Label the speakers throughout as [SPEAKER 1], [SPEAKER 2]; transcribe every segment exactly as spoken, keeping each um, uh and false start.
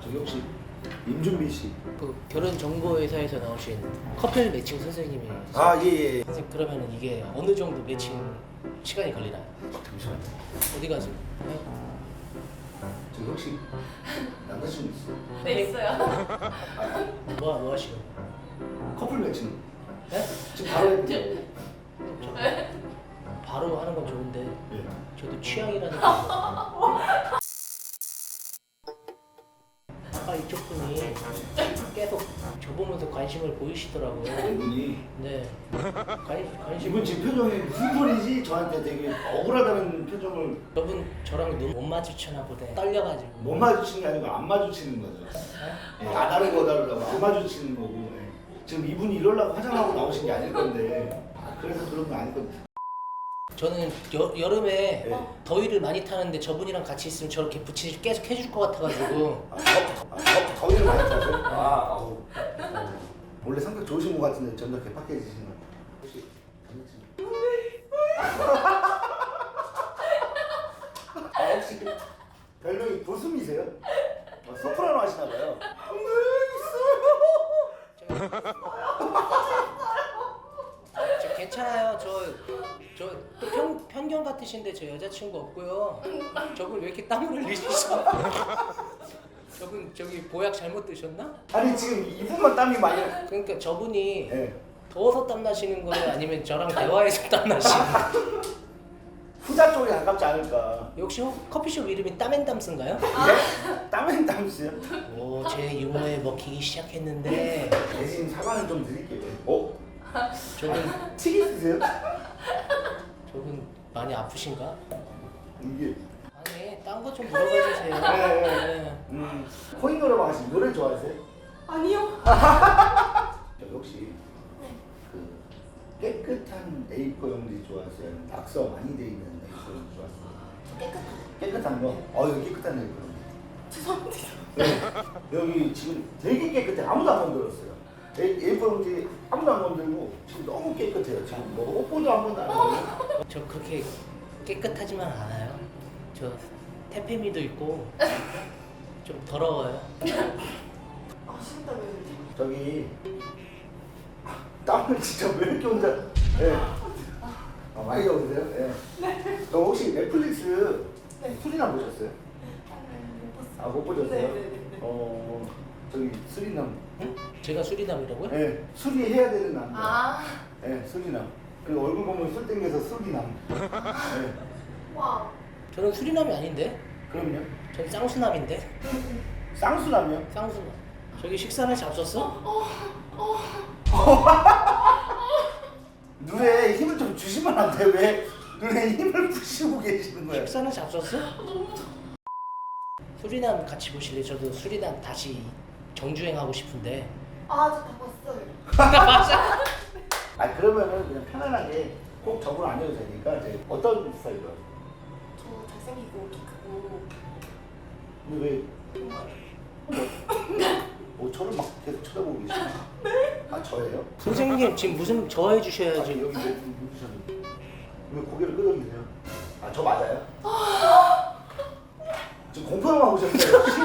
[SPEAKER 1] 저기 혹시 임준비 씨?
[SPEAKER 2] 그 결혼 정보회사에서 나오신 커플 매칭 선생님이.
[SPEAKER 1] 아 예예. 예.
[SPEAKER 2] 선생님 그러면은 이게 어느 정도 매칭 시간이 걸리나요?
[SPEAKER 1] 잠시만요.
[SPEAKER 2] 어디 가세요?
[SPEAKER 1] 저기 혹시 남자친구 있어?
[SPEAKER 3] 네 있어요.
[SPEAKER 2] 뭐, 뭐 하시는?
[SPEAKER 1] 커플 매칭
[SPEAKER 2] 네?
[SPEAKER 1] 지금 바로 해드릴게요.
[SPEAKER 2] 저, 바로 하는 건 좋은데
[SPEAKER 1] 예.
[SPEAKER 2] 저도 취향이라는 게 아까 이쪽 분이 계속 저보면서 관심을 보이시더라고요.
[SPEAKER 1] 이분이
[SPEAKER 2] 네. 관, 관심.
[SPEAKER 1] 이분 지금 표정이 무슨 소리지? 저한테 되게 억울하다는 표정을
[SPEAKER 2] 저분 저랑 눈 못 마주치나 보네. 떨려가지고.
[SPEAKER 1] 못 마주치는 게 아니고 안 마주치는 거죠. 예, 안 다르고 다르다고 안 마주치는 거고. 예. 지금 이분이 이러려고 화장하고 나오신 게 아닐 건데 아, 그래서 그런 거 아닐 건데.
[SPEAKER 2] 저는 여, 여름에
[SPEAKER 1] 네.
[SPEAKER 2] 더위를 많이 타는데 저분이랑 같이 있으면 저렇게 부치 계속 해줄 것 같아가지고.
[SPEAKER 1] 아, 더, 아, 더, 더위를 많이 타세요? 아, 아우. 어. 원래 성격 좋으신 것 같은데 점점 개팍해지시는 거 혹시 아 혹시 별명이 도수미세요? 아, 소프라노 하시나 봐요.
[SPEAKER 2] 저 괜찮아요. 저저 또 편, 편견 같으신데 저 여자친구 없고요. 저분 왜 이렇게 땀을 흘리시죠? 저분 저기 보약 잘못 드셨나?
[SPEAKER 1] 아니 지금 이분만 땀이 많이 나.
[SPEAKER 2] 그러니까 저분이
[SPEAKER 1] 예.
[SPEAKER 2] 더워서 땀 나시는 거예요? 아니면 저랑 대화해서 땀 나시는 거예요?
[SPEAKER 1] 후자 쪽에 가깝지 않을까.
[SPEAKER 2] 역시 혹- 커피숍 이름이 땀앤담스인가요?
[SPEAKER 1] 예? 땀은 땀수요?
[SPEAKER 2] 오, 제 유머에 먹히기 시작했는데
[SPEAKER 1] 대신 사과는 좀 드릴게요. 어?
[SPEAKER 2] 저분
[SPEAKER 1] 튀기 쓰세요?
[SPEAKER 2] 저분 많이 아프신가?
[SPEAKER 1] 이게
[SPEAKER 2] 아니, 딴 거 좀 물어봐 주세요.
[SPEAKER 1] 네.
[SPEAKER 2] 네.
[SPEAKER 1] 음 코인 노래방 하시면 노래 좋아하세요?
[SPEAKER 3] 아니요.
[SPEAKER 1] 저기 혹시 그 깨끗한 에이포 용지 좋아하세요? 아니면 낙서 많이 돼 있는 에이포 용지 좋아하세요?
[SPEAKER 3] 깨끗한.
[SPEAKER 1] 깨끗한 거? 어 여기 깨끗한 에이포 용지.
[SPEAKER 3] 죄송합니다.
[SPEAKER 1] 네. 여기 지금 되게 깨끗해. 아무도 안 건드렸어요. 에이- 에이포 용지 아무도 안 건들고 지금 너무 깨끗해요. 지금 뭐 옷보도 한 번도 안 하고.
[SPEAKER 2] 저 그렇게 깨끗하지만 않아요. 저 태페미도 있고 좀 더러워요.
[SPEAKER 3] 아 식은땀이 흘리죠.
[SPEAKER 1] 저기 아, 땀을 진짜 왜 이렇게 혼자? 예. 아, 많이 적으세요? 예. 네. 저 혹시 넷플릭스
[SPEAKER 3] 네.
[SPEAKER 1] 수리남 보셨어요? 아 못 보셨어요?
[SPEAKER 3] 네네네.
[SPEAKER 1] 어 저기 수리남.
[SPEAKER 2] 응? 제가 수리남이라고요?
[SPEAKER 1] 예. 수리해야 되는 남자.
[SPEAKER 3] 아.
[SPEAKER 1] 예. 수리남. 그 얼굴 보면 술 땡겨서 수리남. 예.
[SPEAKER 3] 와.
[SPEAKER 2] 저는 수리남이 아닌데?
[SPEAKER 1] 그럼요.
[SPEAKER 2] 전 쌍수남인데?
[SPEAKER 1] 쌍수남이요?
[SPEAKER 2] 쌍수남. 저기 식사는 잡섰어?
[SPEAKER 1] 눈에 힘을 좀 주시면 안 돼요? 왜 눈에 힘을 푸시고 계시는 거예요?
[SPEAKER 2] 식사는 잡섰어? 수리남 같이 보실래요? 저도 수리남 다시 정주행하고 싶은데.
[SPEAKER 3] 아 저 다 봤어요.
[SPEAKER 1] 아 그러면은 그냥 편안하게 꼭 저걸 안 해도 되니까 이제 어떤 스타일로?
[SPEAKER 3] 저 잘생기고 키 크고.
[SPEAKER 1] 근데 왜? 뭐 저를 막 계속 쳐다보고 계시나? 네? 아 저예요?
[SPEAKER 2] 선생님 지금 무슨 저
[SPEAKER 1] 아,
[SPEAKER 2] 해주셔야지.
[SPEAKER 1] 여기 왜 누구셨는데? 왜 고개를 끄덕이세요? 아 저 맞아요? 지금 공포영화 보셨어요 혹시?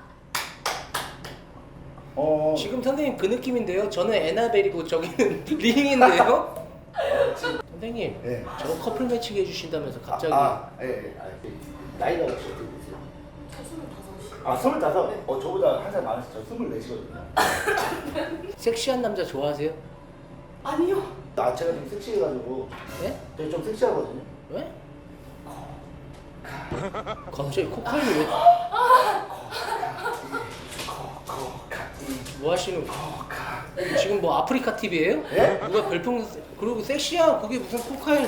[SPEAKER 1] 어
[SPEAKER 2] 지금 선생님 그 느낌인데요? 저는 에나벨이고 저기는 링인데요? 선생님
[SPEAKER 1] 예.
[SPEAKER 2] 저 커플 매칭 해주신다면서 갑자기.
[SPEAKER 1] 아, 아, 예, 예. 아, 예. 나이가 혹시 어떻게 되세요?
[SPEAKER 3] 저 스물다섯이요.
[SPEAKER 1] 아, 스물다섯?
[SPEAKER 3] 네.
[SPEAKER 1] 어, 저보다 한 살 많으시죠? 저 스물넷이거든요.
[SPEAKER 2] 섹시한 남자 좋아하세요?
[SPEAKER 3] 아니요.
[SPEAKER 1] 아, 제가 좀 섹시해가지고
[SPEAKER 2] 네?
[SPEAKER 1] 되게 좀 섹시하거든요.
[SPEAKER 2] 왜? 갑자기 코카인 왜? 뭐 하시는? 지금 뭐 아프리카 티비예요?
[SPEAKER 1] 예?
[SPEAKER 2] 누가 별풍 그리고 섹시한 그게 무슨 코카인?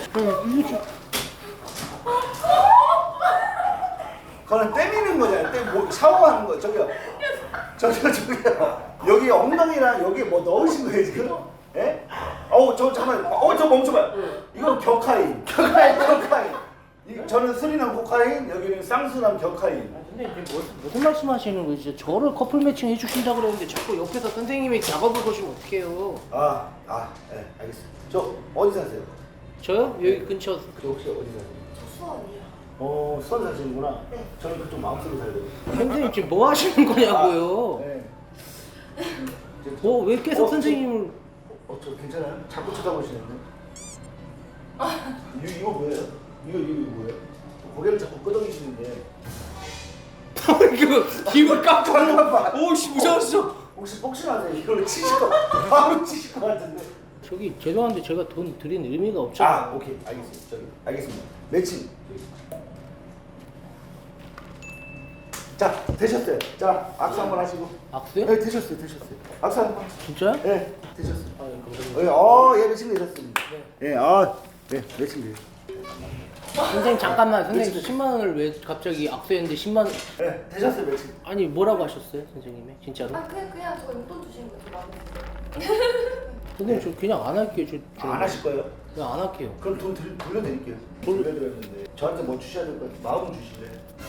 [SPEAKER 1] 그거는 때미는 거잖아요. 때, 뭐, 샤워하는 거. 저기요. 저기요, 저기요. 여기 엉덩이랑 여기 뭐 넣으신 거예요, 지금? 예? 어우, 저, 잠깐만. 어, 저 멈춰봐요. 이건 격하인. 격하인, 격하인. 이, 저는 스리남 코카인, 여기는 쌍수남 격하인.
[SPEAKER 2] 근데 이제 뭐, 무슨 말씀하시는 거예요? 진짜 저를 커플 매칭 해주신다 그랬는데 자꾸 옆에서 선생님이 작업을 보시면 어떡해요?
[SPEAKER 1] 아, 아, 예, 알겠습니다. 저 어디 사세요?
[SPEAKER 2] 저요? 여기 근처.
[SPEAKER 1] 그 혹시 어디 사세요?
[SPEAKER 3] 저 수원이요.
[SPEAKER 1] 어 수원 사시는구나.
[SPEAKER 3] 네.
[SPEAKER 1] 저는 그쪽 마음속에 살거든요.
[SPEAKER 2] 선생님 지금 뭐 하시는 거냐고요?
[SPEAKER 1] 네.
[SPEAKER 2] 어, 왜 계속
[SPEAKER 1] 어,
[SPEAKER 2] 선생님을
[SPEAKER 1] 어, 저 괜찮아요? 자꾸 쳐다보시는데. 이 이거 뭐예요? 이거 이거 뭐예요? 고개를 자꾸 끄덕이시는데.
[SPEAKER 2] 이거 입을 깜짝
[SPEAKER 1] 잠깐만.
[SPEAKER 2] 오씨 무서웠어.
[SPEAKER 1] 혹시 복싱하세요? 이걸 치실 거 바로 치실 것 같은데.
[SPEAKER 2] 저기 죄송한데 제가 돈 드린 의미가 없잖아요.
[SPEAKER 1] 아 오케이 알겠습니다. 저기 알겠습니다. 매칭. 자 되셨어요. 자 악수 한번 하시고.
[SPEAKER 2] 악수요?
[SPEAKER 1] 네 되셨어요 되셨어요. 악수 한번.
[SPEAKER 2] 진짜요?
[SPEAKER 1] 네 되셨어요.
[SPEAKER 2] 아, 예, 감사합니다.
[SPEAKER 1] 예, 어, 예, 매칭 되셨습니다. 예, 아, 예, 매칭 돼요.
[SPEAKER 2] 선생님 잠깐만 선생님 십만 원을 왜 갑자기 악수했는데 십만 원
[SPEAKER 1] 예, 되셨어요, 매칭.
[SPEAKER 2] 아니 뭐라고 하셨어요 선생님이 진짜로?
[SPEAKER 3] 아 그냥 그냥 저 용돈 주시는 거좀 마음에
[SPEAKER 2] 선생님 저 그냥 안 할게요. 저, 저
[SPEAKER 1] 아, 안 하실 거예요?
[SPEAKER 2] 그냥 안 할게요.
[SPEAKER 1] 그럼 돈 들, 돌려드릴게요.
[SPEAKER 2] 돌-
[SPEAKER 1] 돌려드렸는데 저한테 뭐 주셔야 될 것 같아요. 마음 주실래요?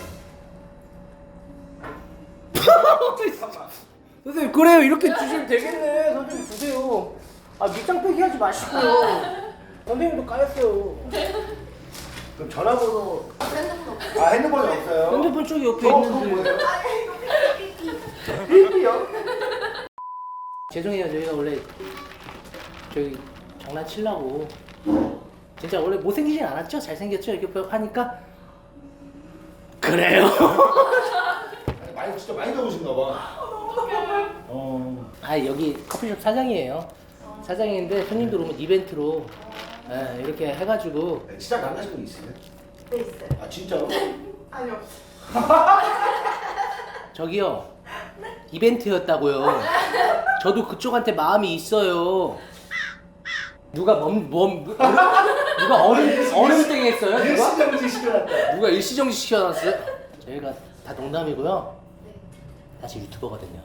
[SPEAKER 2] 선생님 그래요 이렇게 주시면 되겠네. 선생님 주세요. 아 밑장 빼기 하지 마시고요. 선생님도 까였어요.
[SPEAKER 1] 그럼 전화번호,
[SPEAKER 3] 핸드폰 없어.
[SPEAKER 1] 아, 핸드폰이 없어요?
[SPEAKER 2] 핸드폰 쪽이 옆에
[SPEAKER 1] 어,
[SPEAKER 2] 있는데.
[SPEAKER 1] 그건 뭐예요?
[SPEAKER 3] 아 이거
[SPEAKER 1] 일기요?
[SPEAKER 2] 죄송해요 저희가 원래 저희 장난치려고 진짜 원래 못생기진 않았죠? 잘생겼죠? 이렇게 하니까 그래요.
[SPEAKER 1] 아니, 많이, 진짜 많이 더우신가 봐. 어.
[SPEAKER 2] 아 여기 커피숍 사장이에요. 사장인데 손님들 오면 이벤트로 예, 이렇게 해가지고
[SPEAKER 1] 네, 시작 안 하신 분 있으세요?
[SPEAKER 3] 네 있어요.
[SPEAKER 1] 아, 진짜로?
[SPEAKER 3] 아니요.
[SPEAKER 2] 저기요 이벤트였다고요. 저도 그쪽한테 마음이 있어요. 누가 멈, 멈 누가 얼음 얼음땡 했어요? 누가?
[SPEAKER 1] 일시정지 시켜놨다.
[SPEAKER 2] 누가 일시정지 시켜놨어요? 저희가 다 농담이고요.
[SPEAKER 3] 네.
[SPEAKER 2] 사실 유튜버거든요.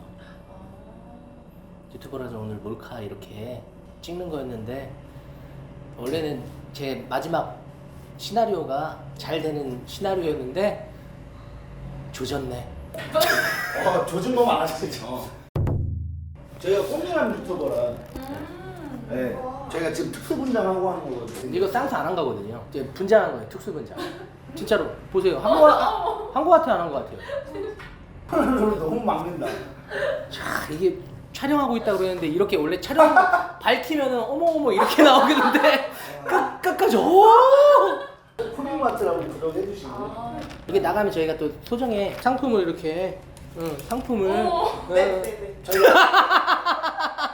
[SPEAKER 2] 유튜버라서 오늘 몰카 이렇게 찍는 거였는데 원래는 제 마지막 시나리오가 잘 되는 시나리오였는데 조졌네.
[SPEAKER 1] 어, 조준 거 많았죠. 저희가 꼼꼼한 유튜버라.
[SPEAKER 3] 음.
[SPEAKER 1] 네.
[SPEAKER 3] 와.
[SPEAKER 1] 저희가 지금 특수 분장하고 하는 거거든요.
[SPEAKER 2] 이거 쌍수 안 한 거거든요. 이제 분장한 거예요. 특수 분장. 진짜로 보세요. 한 거 한 거 같아요, 안 한 거 같아요.
[SPEAKER 1] 오늘 너무 막는다.
[SPEAKER 2] 자 이게 촬영하고 있다 그러는데 이렇게 원래 촬영 밝히면은 어머 어머 이렇게 나오겠는데 끝 끝까지 오
[SPEAKER 1] 코믹마트라고 구독해 주시고.
[SPEAKER 3] 아.
[SPEAKER 2] 이게 나가면 저희가 또 소정의 상품을 이렇게 응, 상품을
[SPEAKER 3] 오.
[SPEAKER 2] 응.
[SPEAKER 3] 네네네.
[SPEAKER 1] 저희가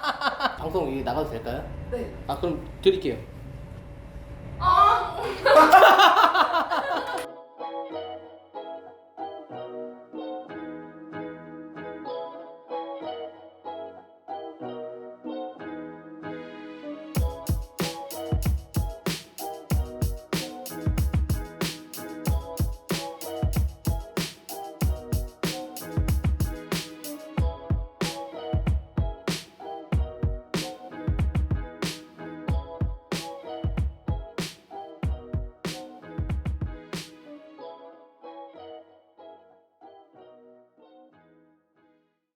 [SPEAKER 2] 방송 이게 나가도 될까요?
[SPEAKER 3] 네.
[SPEAKER 2] 아 그럼 드릴게요.
[SPEAKER 3] 아.